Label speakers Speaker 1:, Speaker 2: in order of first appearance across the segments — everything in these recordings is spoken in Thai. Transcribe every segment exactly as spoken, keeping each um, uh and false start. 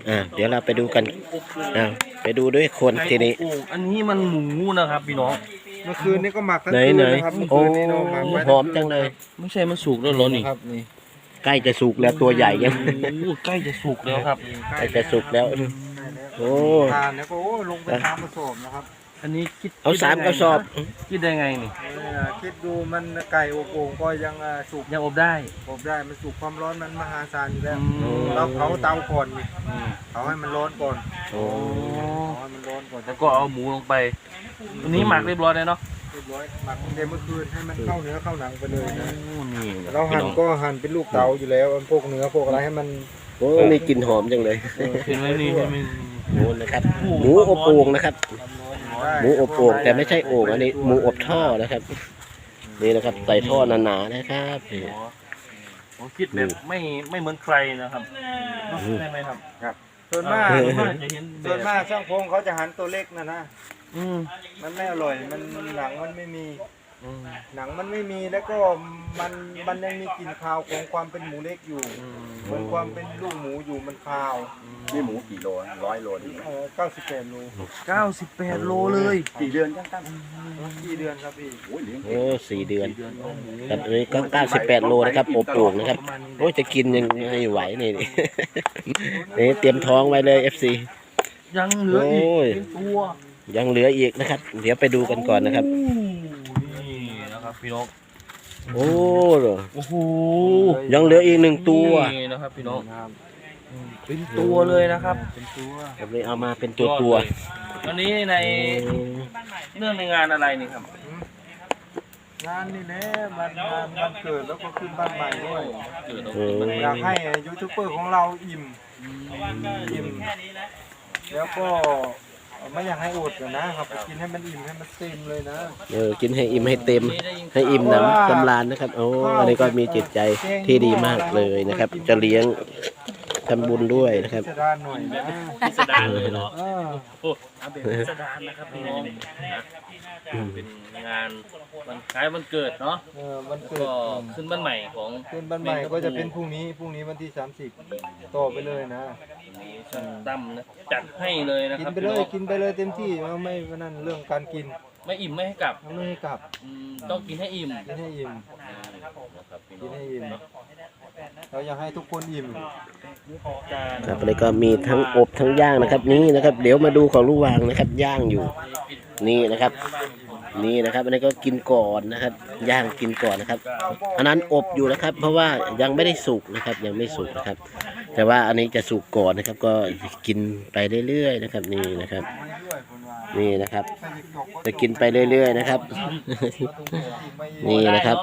Speaker 1: อ่าเดี๋ยวเราไปดูกันอ่าไปดูด้วยคนทีนี้
Speaker 2: อันนี้มันหมูนะครับพี่น้อง
Speaker 3: เมื่อคืนนี้ก็หมักทั้ง
Speaker 1: ไหน
Speaker 3: คืน
Speaker 1: ไหน
Speaker 3: นะครับเมื่อ
Speaker 1: โอ้
Speaker 3: คืนนี้เราหมักไว้
Speaker 1: หอมจังเลย
Speaker 2: ไม่ใช่มันสุกแล้วเหรอนี่
Speaker 3: ครับนี่
Speaker 1: ใกล้จะสุกแล้วตัวใหญ่ยัง
Speaker 2: โอ้ใกล้จะสุกแล้วครับ
Speaker 1: ใกล้จะสุกแล้วโอ้
Speaker 3: ทานแล้วก็โอ้ลงไปทำผสมนะครับ
Speaker 2: อันนี้คิด
Speaker 1: เอาสามกระสอบ
Speaker 2: คิดได้ไงนี่
Speaker 3: เออคิดดูมันไก่อบโอ่งก็ยังอ่าสุก
Speaker 2: ยังอบได้
Speaker 3: อบได้มันสุกความร้อนมันมหาศาลอยู่แล้ว
Speaker 2: อืม
Speaker 3: เราเผาเตาก่อนนี่เผาให้มันร้อนก่อน
Speaker 1: โอ้
Speaker 3: เผาให้มันร้อนก่อน
Speaker 2: แล้วก็เอาหมูลงไปอันนี้หมักเรียบร้อยแล้วเนาะ
Speaker 3: เรียบร้อยหมักตั้งแต่เมื่อคืนให้มันเข้าเนื้อเข้าหนังไปเลยนะ
Speaker 2: โอ้นี่
Speaker 3: เราหั่นก็หั่นเป็นลูกเต๋าอยู่แล้วพวกเนื้อพวกอะไรให้มัน
Speaker 1: โหมีกลิ่นหอมจังเลย
Speaker 2: เห็นไหมนี่เห็นไหม
Speaker 1: หมูนะครับหมูอบโอ่งนะครับ
Speaker 3: ได้
Speaker 1: หมูอบโอ่งแต่ไม่ใช่โอ่งอันนี้หมูอบท่อนะครับ นี่นะครับใส่ท่อหนาๆนะครับนี่
Speaker 2: ผมคิดแบบไม่ไม่เหมือนใครนะครับใช่ไหมครับ
Speaker 3: ส่วนมาก
Speaker 2: ส่วนมากจะเห็นแบ
Speaker 3: ส่วน
Speaker 2: บ
Speaker 3: มากช่างพงเขาจะหั่นตัวเล็กนะนะ
Speaker 2: อืม
Speaker 3: มันไม่อร่อยมันหนังมันไม่มี
Speaker 2: อืม
Speaker 3: หนังมันไม่มีแล้วก็มันมันยังมีกลิ่นคาวของความเป็นหมูเล็กอยู่
Speaker 2: อืม
Speaker 3: เหมือนความเป็นลูกหมูอยู่มันคาว
Speaker 4: นี่หมูกี่โลร้อยโลดีไหม
Speaker 3: เออเก้าสิบแปดโล
Speaker 2: เก้าสิบแปดโลเลย
Speaker 4: กี่เดือนจังตั้ง
Speaker 3: กี่เดือนครับพี่
Speaker 4: โอ้ยเลี้ยง
Speaker 1: โอ้สี่เดือน
Speaker 2: เดือนเอาหมู
Speaker 1: ครับอันนี้ก็เก้าสิบแปดโลนะครับอบโอ่งนะครับโอ้ยจะกินยังไงไหวนี่ นี่เตรียมท้องไว้เลย เอฟ ซี
Speaker 2: ยังเหลืออีก
Speaker 1: โอ้ย
Speaker 2: เป็นตัว
Speaker 1: ยังเหลืออีกนะครับ เดี๋ยวไปดูกันก่อนนะครับ
Speaker 2: โอ้นี่นะครับพี่น้อง
Speaker 1: โอ้เหรอ
Speaker 2: โอ้โห
Speaker 1: ยังเหลืออีกหนึ่งตัว
Speaker 2: นี่นะครับพี่น้อง
Speaker 3: ครับ
Speaker 2: เป็นตัวเลยนะครับ
Speaker 3: เป็นตัว
Speaker 1: แบบนี้เอามาเป็นตัวตัว
Speaker 2: อันนี้ในเรื่องในงานอะไรนี่ครับ
Speaker 3: งานนี่แหละมันงานมันเกิดแล้วก็ขึ้นบ้านใหม่ด้วย
Speaker 2: เกิด
Speaker 1: อืม
Speaker 3: อยากให้ยูทูบเบอร์ของเราอิ่มอิ่มแล้วก็ไม่อยากให้อดอะนะครับไปกินให้มันอิ่มให้มันเต็มเลยนะ
Speaker 1: เออกินให้อิ่มให้เต็ม ให้อิ่มหน้ำสำราญนะครับ โอ้อันนี้ก็มีจิตใจที่ดีมากเลยนะครับ จะเลี้ยงทำบุญด้วยนะครับ
Speaker 3: พิสดารหน่อยนะ
Speaker 2: พิสดารเลยเนาะ
Speaker 3: เออ
Speaker 2: โอ้เอาแบบพิสดารนะครับพี่น้องนะเป็นงานวันคล้ายวันเกิดเนาะ
Speaker 3: เออมัน
Speaker 2: แล้ว
Speaker 3: เกิ
Speaker 2: ก็
Speaker 3: ด
Speaker 2: ขึ้นบ้านใหม่ของ
Speaker 3: ขึ้นบ้านใหม่ก็จะเป็นพรุ่งนี้พรุ่งนี้วันที่สามสิบต่อไปเลยนะ
Speaker 2: นี้ช่างตั้มนะจัดให้เลยนะ
Speaker 3: กิ
Speaker 2: คน รับ
Speaker 3: ไปเลยกินไปเลยเต็มที่เราไม่นั่นเรื่องการกิน
Speaker 2: ไม่อิ่มไม่ให้กลับ
Speaker 3: เราไม่ให้กลับ
Speaker 2: อืมต้องกินให้อิ่ม
Speaker 3: กินให้อิ่ม
Speaker 2: นะครับพี่
Speaker 3: กิ
Speaker 2: น้
Speaker 3: น
Speaker 2: อง
Speaker 3: ให้อิ่มเราอยากให้ทุกคนอิ่ม
Speaker 2: จาน
Speaker 1: ครับอันนี้ก็มีทั้งอบทั้งย่างนะครับ นี่นะครับ เดี๋ยวมาดูของลูกวางนะครับ ย่างอยู่ นี่นะครับ นี่นะครับ อันนี้ก็กินก่อนนะครับ ย่างกินก่อนนะครับ อันนั้นอบอยู่นะครับ เพราะว่ายังไม่ได้สุกนะครับ ยังไม่สุกนะครับ แต่ว่าอันนี้จะสุกก่อนนะครับ ก็กินไปเรื่อยๆนะครับ นี่นะครับ นี่นะครับ จะกินไปเรื่อยๆนะครับ นี่นะครับ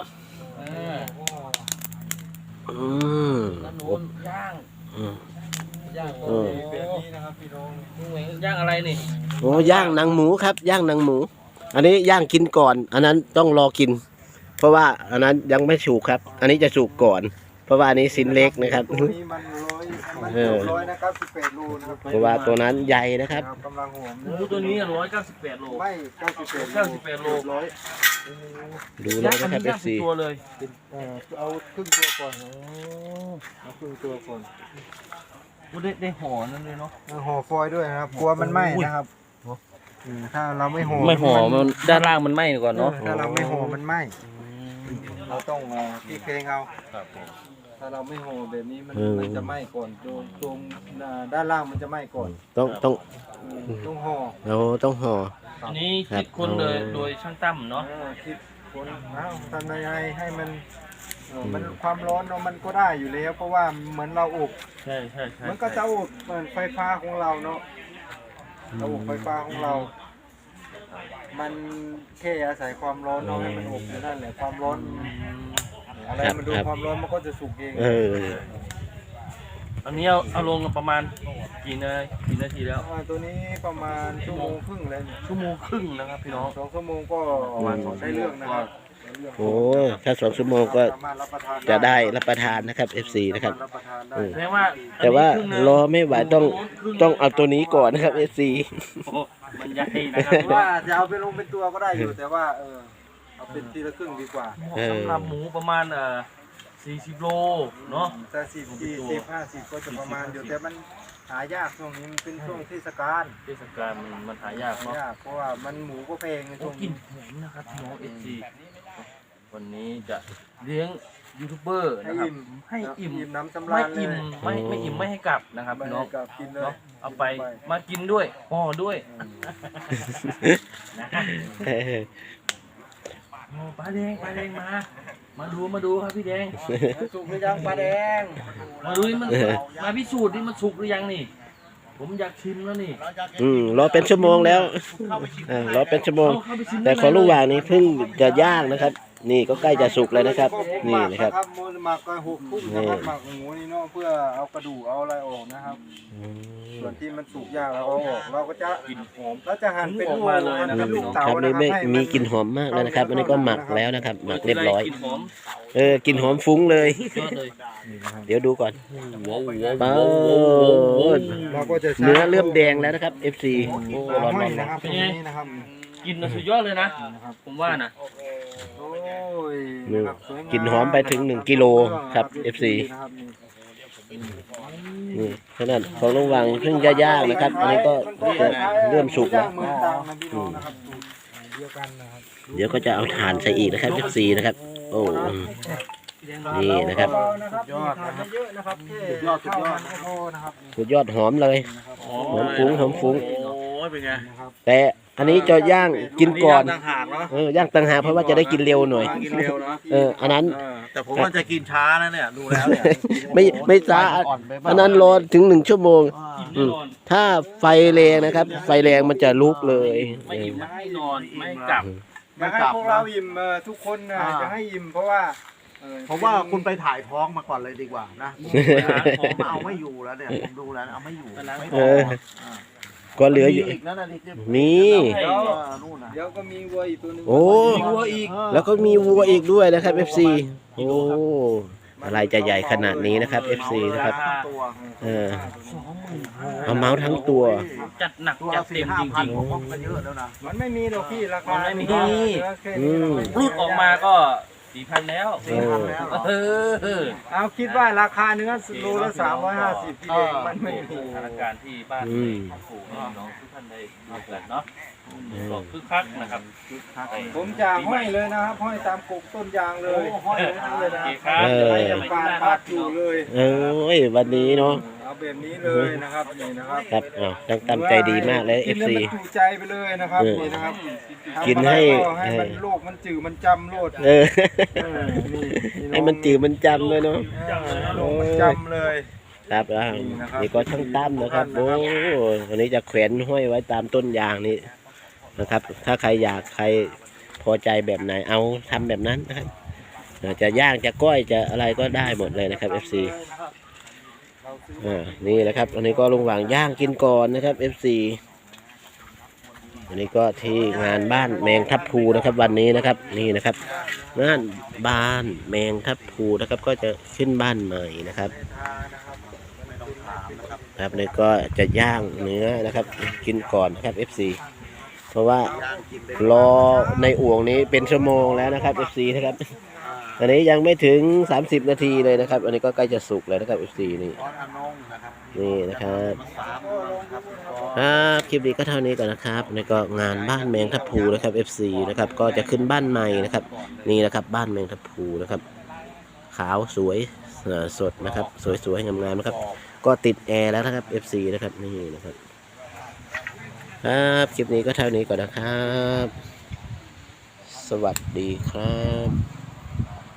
Speaker 1: อืม
Speaker 2: แล้วหนู
Speaker 1: อบ
Speaker 2: ย่าง
Speaker 1: อืม
Speaker 3: ย่าง
Speaker 1: เออ
Speaker 3: แบบนี้นะครับพี่น้อง
Speaker 2: นี่เหมือนย่างอะไรนี่
Speaker 1: โอ้ย่างหนังหมูครับ ย่างหนังหมู อันนี้ย่างกินก่อน อันนั้นต้องรอกิน เพราะว่าอันนั้นยังไม่สุกครับ อันนี้จะสุกก่อน เพราะว่าอันนี้สิ้นเล็กนะครับ
Speaker 3: ตัวนี้มันร้อยมัน
Speaker 1: เอ
Speaker 3: เกือ
Speaker 1: อ
Speaker 3: บร้อยนะครับสิบแปดโลนะครับ
Speaker 1: เพราะว่าตัวนั้นใหญ่นะครับ
Speaker 3: กำลังหอม
Speaker 2: หมูตัวนี้ร้อยเก้าสิบแปดโล
Speaker 3: ไม่เก้าสิบแปด
Speaker 2: เก้าสิบแปดโล
Speaker 3: ร้อย
Speaker 1: ดูเลยนะครับ
Speaker 2: อั
Speaker 1: เอ
Speaker 2: ย่าง
Speaker 1: ฟซี
Speaker 2: ตัวเลย
Speaker 3: เออเอาครึ่งตัวก่อนเอาครึ่งตัวก่อน
Speaker 2: โอ้ได้ได้ห่อนั่นเลยเนาะ
Speaker 3: เอาห่อฟอยล์ด้วยนะครับกลัวมันไหม้นะครับอืมถ้าเราไม่ห่อ
Speaker 2: ไม่ห่อมันด้านล่างมันไหม้ก่อนเนาะ
Speaker 3: ถ้าเราไม่ห่อมันไหม้เราต้องเอ่อพี่เคงเอา
Speaker 2: ครับผม
Speaker 3: ถ้าเราไม่ห่อแบบนี้มัน
Speaker 1: อืม
Speaker 3: มันจะไหม้ก่อนตรงตรงอ่าด้านล่างมันจะไหม้ก่อน
Speaker 1: ต้องต้อง
Speaker 3: อืมต้องห่อ
Speaker 1: เราต้องห่อ
Speaker 2: อันนี้คิดคนเลยโดยช่างตั้มเนาะ
Speaker 3: เออคิดคนเอ้าทำยังไงให้มันเออมันความร้อนเนาะมันก็ได้อยู่แล้ว เพราะว่าเหมือนเราอบ
Speaker 2: ใช่ใช่ใช่
Speaker 3: มันก็จะอบเหมือนไฟฟ้าของเราเนาะระบบไฟฟ้าของเรา มันแค่อาศัยความร้อนเนาะให้มันอบอยู่นั่นแหละความร้อนอะไรมันโดนความร้อนมันก็จะสุกเอง
Speaker 1: เออ
Speaker 2: อันนี้เอาเอาลงประมาณกี่นากี่นาทีแล้ว
Speaker 3: อ่าตัวนี้ประมาณชั่วโมงครึ่งแล้วนี่
Speaker 2: ชั่วโมงครึ่งนะครับพี่น้อง
Speaker 3: สองชั่วโมงก็ได้เรื่องนะครับได้เรื่อง
Speaker 1: โอ้ถ้าสองชั่วโมงก็
Speaker 3: สามารถรับประทาน
Speaker 1: จะได้รับประทานนะครับ เอฟ ซีนะครับ
Speaker 3: รับประทานได้
Speaker 1: อืม
Speaker 2: แสดงว่า
Speaker 1: แต่ว่า
Speaker 2: อันนี้ครึ่งหนึ่ง
Speaker 1: รอไม่ไหวต้องต้องเอาตัวนี้ก่อนนะครับ เอฟ ซี
Speaker 2: โอ้มันใหญ่นะครับ
Speaker 3: หรือว่าจะเอาไปลงเป็นตัวก็ได้อยู่แต่ว่าเออเอาเป็นทีละครึ่งดีกว่า
Speaker 2: สำหรับหมูประมาณเอ่อสี่สิบโลเนาะ
Speaker 3: แต่สิบสี่สิบห้าสิบก็จะประมาณอยู่แต่มันหายากช่วงนี้มันเป็นช่วงเทศกาล
Speaker 2: เทศกาลมันมันหายาก
Speaker 3: หา
Speaker 2: เนาะ
Speaker 3: ยากเพราะว่ามันหมูก็แพงใน
Speaker 2: โอ้
Speaker 3: ช่วง
Speaker 2: กลิ
Speaker 3: นี้
Speaker 2: นหอมนะครับน้องเอซีวันนี้จะเลี้ยงยูทูบเบอร์
Speaker 3: ให้
Speaker 2: นะครับ
Speaker 3: อิ่ม
Speaker 2: ให้อิ่ม
Speaker 3: อิ่มน้ำสำ
Speaker 2: ไม่
Speaker 3: ราญเล
Speaker 2: อิ่ม
Speaker 3: ย
Speaker 2: ไม่ไม่อิ่มไม่ให้กลับนะครับ
Speaker 3: ไม่
Speaker 2: พี่น้อง
Speaker 3: กับกินเลย
Speaker 2: เนาะเอาไปมากินด้วยห่อด้วยโอ้ปลาแดงปลาแดงมา มาดูมาดูครับพี่แดง
Speaker 3: สุกหรือยังปลาแดง
Speaker 2: มาดูนี่มันมาพิสูจน์นี่มันสุกหรือยังนี่ ผมอยากชิมแล้วนี่
Speaker 1: อืมรอเป็นชั่วโมงแล้วอ่ารอเป็นชั่วโมง
Speaker 2: เอาเข้าไปชิม
Speaker 1: แต่ของลุงหว่างนี่เพิ่งจะย่างนะครับ นี่ก็ใกล้จะสุกเลยนะครับ นี่นะครับ
Speaker 3: มูลหมักก็หกทุ่มนะครับหมักหมูนี่เนาะเพื่อเอากระดูกเอาอะไรออกนะครับ ส่วนที่มันสุกยากเราเอาออกเราก็จะ
Speaker 2: กลิ่นหอม
Speaker 3: เราจะหั่นเป็น
Speaker 2: ออกมาเลยนะครับ
Speaker 3: หั่ป็ลูก
Speaker 1: ค
Speaker 3: เต๋า
Speaker 1: รับนี่
Speaker 3: นะ
Speaker 1: ไม่
Speaker 3: ให้น
Speaker 1: มีกลิ่นหอมมากแล้วนะครับ อันนี้ก็หมักแล้วนะครับ หมักเรียบร้อย
Speaker 2: กลิ่นหอม
Speaker 1: เออกลิ่นหอมฟุ้งเลย
Speaker 2: ยอดเลย
Speaker 1: เดี๋ยวดูก่อน
Speaker 2: ว้าวว้าว
Speaker 1: เป้า
Speaker 3: เราก็จะใช้
Speaker 1: เนื้อเริ่มแดงแล้วนะครับ เอฟ ซี โอ้
Speaker 3: ร้
Speaker 1: ร้
Speaker 3: อ
Speaker 1: อน น
Speaker 3: ๆ
Speaker 1: ร้อน
Speaker 3: นะครับตรงนี้นะครับ
Speaker 2: กินน่ะสุดยอดเลยนะ ผมว่านะ
Speaker 3: โอ้ย
Speaker 1: นี่
Speaker 3: นะครับสวยงาม
Speaker 1: กลิ่นหอมไปถึงหนึ่งกิโลครับ เอฟ ซี
Speaker 3: นะครับนี่
Speaker 1: นี่ขนาดของลุงหว่างเพิ่งจะย่างนะครับ อันนี้ก็เริ่มสุกแล้ว
Speaker 3: ย่างมือตามนะพี่น้องนะครับสูตรเดียวกันนะครับ
Speaker 1: เดี๋ยวก็จะเอาถ่านใส่อีกนะครับ เอฟ ซี นะครับ โอ้อืม นี่นะครับ
Speaker 3: ยอดนะครับเยอะนะครับสุดยอดสุดยอดโอ้นะครับ
Speaker 1: สุดยอดหอมเลย หอมฟุ้งหอมฟุ้ง
Speaker 2: โอ้ยเป็นไง
Speaker 3: นะครับ
Speaker 1: แต่อันนี้จะย่างกินก่อน
Speaker 2: ต่างหากเนาะ
Speaker 1: เออย่างต่างหากเพราะว่าจะได้กินเร็วหน่อย
Speaker 2: กินเร็วเนาะ
Speaker 1: เออ อันนั้น
Speaker 2: เออแต่ผมว่าจะกินช้านะเนี่ยดูแล้วเนี่ย
Speaker 1: ไม่ไม่ช้าอันนั้นรอถึงหนึ่งชั่วโมง
Speaker 2: กินแน่นอน
Speaker 1: ถ้าไฟแรงนะครับ ไฟแรงมันจะลุกเลย
Speaker 2: ไม่อิ่มไม่ให้นอนไม่ให้กลับ
Speaker 3: อยากให้พวกเราอิ่มเอ่อทุกคนนะจะให้อิ่มเพราะว่าเอ่อ
Speaker 5: ผมว่าคุณไปถ่ายท้องมาก่อนเลยดีกว่านะผมเอาไม่อยู่แล้วเนี่ยผมดูแล้วเอาไม่อยู่ไม่พ
Speaker 1: เอ
Speaker 5: อ
Speaker 1: อ ก็เหลืออยู่
Speaker 5: มีอีกนะนาฬิกา
Speaker 1: มี
Speaker 5: เดี๋ยวนู่นนะ
Speaker 3: เดี๋ยวก็มีวัวอีกตัวหนึง
Speaker 1: โอ้
Speaker 2: มีวัวอีก
Speaker 1: แล้วก็มีวัวอีกด้วยนะครับ เอฟ ซี โอ้ อะไรจะใหญ่ขนาดนี้นะครับ เอฟ ซี นะครับ
Speaker 5: ตัว
Speaker 1: เออเอาเมาส์ทั้งตัว
Speaker 2: จัดหนัก
Speaker 5: ตัว
Speaker 2: จัด
Speaker 5: สี่
Speaker 2: เต็ม
Speaker 5: ห้า
Speaker 2: จ
Speaker 5: พัน
Speaker 2: ริง
Speaker 5: ผมว่ามันเยอะแล้วนะ
Speaker 3: มันไม่มีหรอกพี่ราคา
Speaker 2: มันไม่มี
Speaker 3: เหลือแค่นี้
Speaker 1: อืม
Speaker 2: ๆรูดออกมาก็สี่พันแล้ว
Speaker 5: สี่พันแล้วเหรอ
Speaker 2: เออ
Speaker 3: เอาคิดว่าราคาเนื้อโลละสามร้อยห้าสิบพี่เองมันไม่มี
Speaker 2: สถานการณ์ที่บ้าน
Speaker 1: อืม
Speaker 2: ปู่แม่น้องทุกท่านได้ดูกันเนาะก็คึกคักนะครับคึกคัก
Speaker 3: ผมจะห้อยเลยนะครับห้อยตามกกต้นยางเลยห้อยเลยนะ
Speaker 2: โอเคครับ
Speaker 1: เออ
Speaker 3: ให้ยังปาดปาดอยู่เลย
Speaker 1: เอ้ยวันนี้เนาะ
Speaker 3: เอาแบบนี้เลยนะครับนี่นะครับ
Speaker 1: ครับอ้าวตั้งตั้งใจดีมากเลย เอ
Speaker 3: กิน
Speaker 1: ฟ
Speaker 3: แล้ว
Speaker 1: ซี
Speaker 3: มันจุใจไปเลยนะครับ
Speaker 1: เออ
Speaker 3: นี่นะครับ
Speaker 1: กินให้
Speaker 3: ทำอะไรก็ให้มันโลกมันจืดมันจำโลด
Speaker 1: เออ
Speaker 3: เออนี่
Speaker 1: ให้มันจืดมันจำเลยเนาะ
Speaker 3: โลกมันจำเลย
Speaker 1: ครับอ่านี่ก็ช่างตั้มนะครับ โอ้วันนี้จะแขวนห้อยไว้ตามต้นยางนี่นะครับ ถ้าใครอยากใครพอใจแบบไหนเอาทำแบบนั้นนะครับเอ่อจะย่างจะก้อยจะอะไรก็ได้หมดเลยนะครับ เอฟ ซี อ่า นี่แหละครับ อันนี้ก็ลุงหว่างย่างกินก่อนนะครับ เอฟ ซี อันนี้ก็ที่งานบ้านแมงทับพลูนะครับ วันนี้นะครับ นี่นะครับงานบ้านแมงทับพลูนะครับ ก็จะขึ้นบ้านใหม่นะครับ ครับนี่ก็จะย่างเนื้อนะครับ กินก่อนนะครับ เอฟ ซี เพราะว่ารอในอ่วงนี้เป็นชั่วโมงแล้วนะครับ เอฟ ซี นะครับ อันนี้ยังไม่ถึงสามสิบนาทีเลยนะครับ อันนี้ก็ใกล้จะสุกแล้วนะครับ เอฟ ซี นี่
Speaker 5: ออนอนงนะครับ
Speaker 1: นี่นะครับ
Speaker 5: สามครับ
Speaker 1: ครับคลิปนี้ก็เท่านี้ก่อนนะครับนี่ก็งานบ้านแมงทับพลูนะครับ เอฟ ซี นะครับ ก็จะขึ้นบ้านใหม่นะครับ นี่นะครับ บ้านแมงทับพลูนะครับ ขาวสวยเอ่อสดนะครับ สวยๆงามๆนะครับ ก็ติดแอร์แล้วนะครับ เอฟ ซี นะครับนี่นะครับครับคลิปนี้ก็เท่านี้ก่อนนะครับ สวัสดีครับ